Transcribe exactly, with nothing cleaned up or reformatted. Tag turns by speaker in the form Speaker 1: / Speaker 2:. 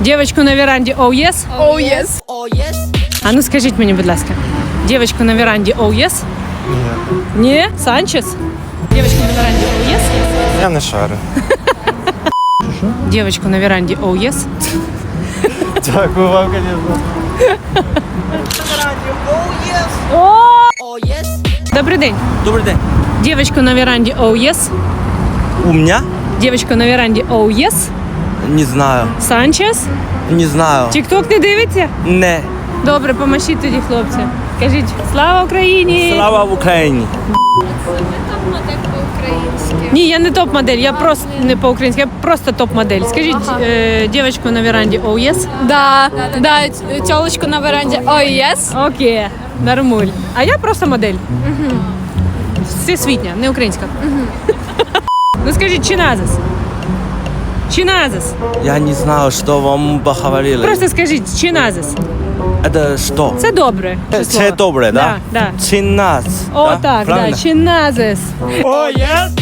Speaker 1: Дівочку на веранді, оу oh, єс?
Speaker 2: Oh yes.
Speaker 1: А ну скажіть мені, будь ласка, дівочку на веранді, оу oh, єс? Ні. Ні? Санчес? Дівочку на веранді, оу oh, єс?
Speaker 3: Я не шарю.
Speaker 1: Дівочку на веранді, оу oh, єс?
Speaker 3: Дякую вам, звісно.
Speaker 1: Добрий день.
Speaker 4: Добрий день.
Speaker 1: Дівочку на веранді, оу oh, єс?
Speaker 4: У меня?
Speaker 1: Дівочку на веранді, оу oh, єс?
Speaker 4: Не знаю.
Speaker 1: Санчес?
Speaker 4: Не знаю.
Speaker 1: Тік-ток не дивиться?
Speaker 4: Не.
Speaker 1: Добре, помашіть тоді, хлопці. Кажіть, слава Україні!
Speaker 4: Слава в Україні.
Speaker 1: Ні, я не топ-модель, я просто не по-українськи, я просто топ-модель. Скажіть, е, дівчинку на веранді, оу oh, єс?
Speaker 2: Да, да, тёлочку на веранді. Oh yes.
Speaker 1: Окей, нормуль. А я просто модель. Угу. Всесвітня, не українська. Угу. Ну скажіть, чиназис? Чиназис.
Speaker 4: Я не знаю, що вам поговорили.
Speaker 1: Просто скажіть, чиназис.
Speaker 4: Это що?
Speaker 1: Це добре. число.
Speaker 4: Це добре, да?
Speaker 1: Да, да.
Speaker 4: Чиназ.
Speaker 1: О,
Speaker 4: да?
Speaker 1: так,
Speaker 4: Правильно?
Speaker 1: да, чиназис.
Speaker 4: О, yes.